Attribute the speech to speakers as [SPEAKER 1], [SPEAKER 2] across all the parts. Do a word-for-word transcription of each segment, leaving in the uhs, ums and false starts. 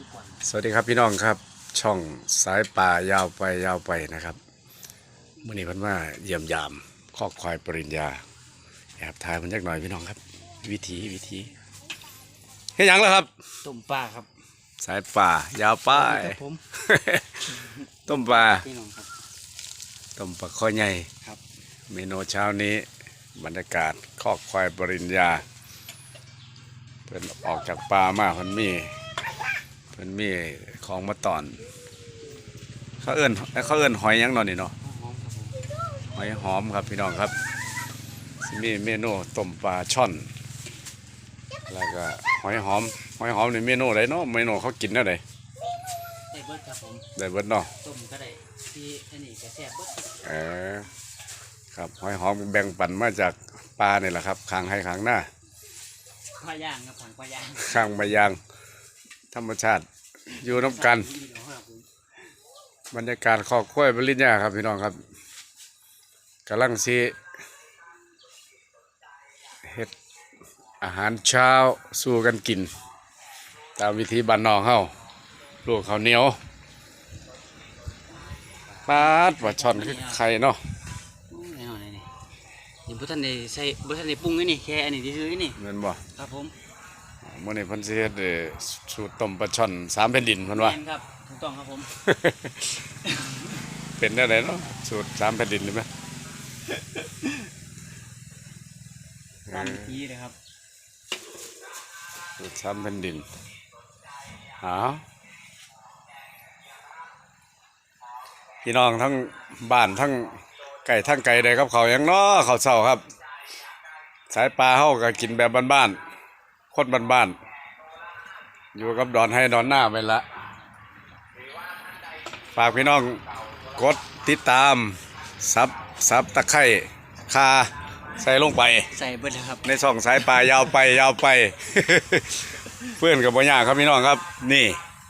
[SPEAKER 1] สวัสดีครับพี่น้องครับช่องสายป่ายาวไปยาวไปนะครับเมื่อนี้เพิ่นว่าเยี่ยมยามคอกควายปริญญาแอบถ่ายมันจักหน่อยพี่น้องครับวิธีวิธีเฮ็ดหยังล่ะครับ
[SPEAKER 2] ต้มปลาครับ
[SPEAKER 1] สายป่ายาวไป
[SPEAKER 2] ผม
[SPEAKER 1] ต้มปลา
[SPEAKER 2] พี่น้องครับ
[SPEAKER 1] ต้มปลาข้อใหญ่
[SPEAKER 2] ครับ
[SPEAKER 1] เมนูเช้านี้บรรยากาศคอกควายปริญญาเพิ่นออกจากป่ามาเพิ่นมีเพิ่นมีของมาตอนเขาเอิ้นเขาเอิ้นหอยหยังนอนนี่เนาะหอยหอมครับพี่น้องครับสิมีเมนูต้มปลาช่อนแล้วก็หอยหอมหอยหอมนี่เมนูอะไรเนาะเมนูเขากินได้ได
[SPEAKER 2] ได้เบิดครับผม
[SPEAKER 1] ได้เบิดเนาะ
[SPEAKER 2] ต้มก็ได้ที่อันนี้ก็แซ่บเบิด
[SPEAKER 1] เออครับหอยหอมแบ่งปันมาจากปลาเนี่ยแหละครับข้างให้ข้างหน้า
[SPEAKER 2] ปลาย่างครับผังปลาย่าง
[SPEAKER 1] ข้างใบยางธรรมชาติอยู่น้ำกันบรรยากาศคอกกล้วยปริญญาครับพี่น้องครับกำลังซีเฮ็ดอาหารเช้าสู้กันกินตามวิธีบ้านนอกเฮาลูกข้าวเหนียวปาดว่าช่อนคือไข่เนาะ
[SPEAKER 2] นี่นี่นี่ยังบ่ทันได้ใส่บ่ทันได้ปรุงนี่แค่อันนี้ซื่อๆนี่
[SPEAKER 1] แม่นบ่
[SPEAKER 2] ครับผม
[SPEAKER 1] มื้อนี้เพิ่นสิเฮ็ดสูตรต้มปลาช่อนสามแผ่นดินเพิ่นว่า
[SPEAKER 2] แม่นครับถูกต้องครับผม
[SPEAKER 1] เป็นได้ไดเนาะสูตรสามแผ่นดินนี่มั้ย
[SPEAKER 2] ตามวิธีเลยครับ
[SPEAKER 1] สูตรสามแผ่นดินหาพี่น้องทั้งบ้านทั้งไก่ทั้งไก่ได้ครับเขายังน้อเขาเศร้าครับสายปลาเฮาก็กินแบบบ้านๆคนบ้านๆอยู่กับดอนให้ดอนหน้าไปละฝากพี่น้องกดติดตามซับซับตะไคร่คาใส่ลงไป
[SPEAKER 2] ใส่เบิดแล้วครับ
[SPEAKER 1] ในช่องสายปลายาวไปยาวไป เพื่อนกับบ่ยากครับพี่น้องครับนี่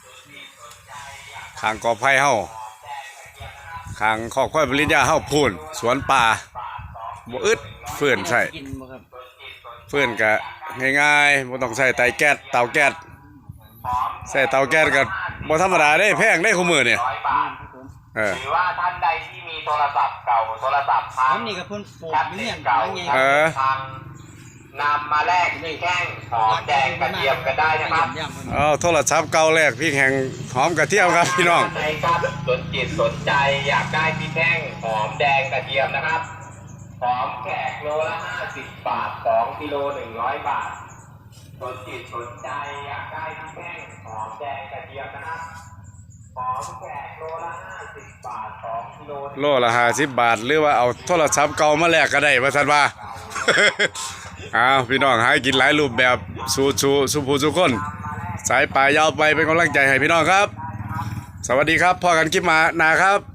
[SPEAKER 1] ข้างกอไผ่เฮาข้างคอกควายปริญญาเฮาพูนสวนป่าบ่อึดเฟื่อนใส่เฟื่อนกะง่ายๆบ่ต้องใส่ไตแก๊สเตาแก๊สใส่เตาแก๊สก็บ่ธรรมดาได้แพงได้คู่มือเนี่ยเออ
[SPEAKER 3] หรือว่าท่านใดที่มีโทรศัพท์เก่าโทรศัพท์พัง
[SPEAKER 2] นี่ก็เพิ่นโฟกเรื่อง
[SPEAKER 3] เก่า
[SPEAKER 1] เออ
[SPEAKER 3] พังนำมาแลกที่แท่งหอมแดงกระเทียมกันได้นะครับ
[SPEAKER 1] เอาโทรศัพท์เก่าแรกพี่แห่งหอมกระเทียมครับพี่น้อง
[SPEAKER 3] ใช่ครับสนจิตสนใจอยากได้พี่แท่งหอมแดงกระเทียมนะครับหอมแขกโลละห้าสิบบาทสองกิโลหนึ่งร้อยบาทสนจิตสนใจอยากได้พี่แท่งหอมแดงกระเทียมนะครับหอมแขกโลละห้าสิบบาทสองกิโล
[SPEAKER 1] โลละห้าสิบบาทหรือว่าเอาโทรศัพท์เก่ามาแลกก็ได้ว่าซั่นว่า อ้าวพี่น้องหากินหลายรูปแบบสู้สู้สู้ผู้สู้คนสายป่ายาวไปเป็นกำลังใจให้พี่น้องครับสวัสดีครับพอกันคลิปมานาครับ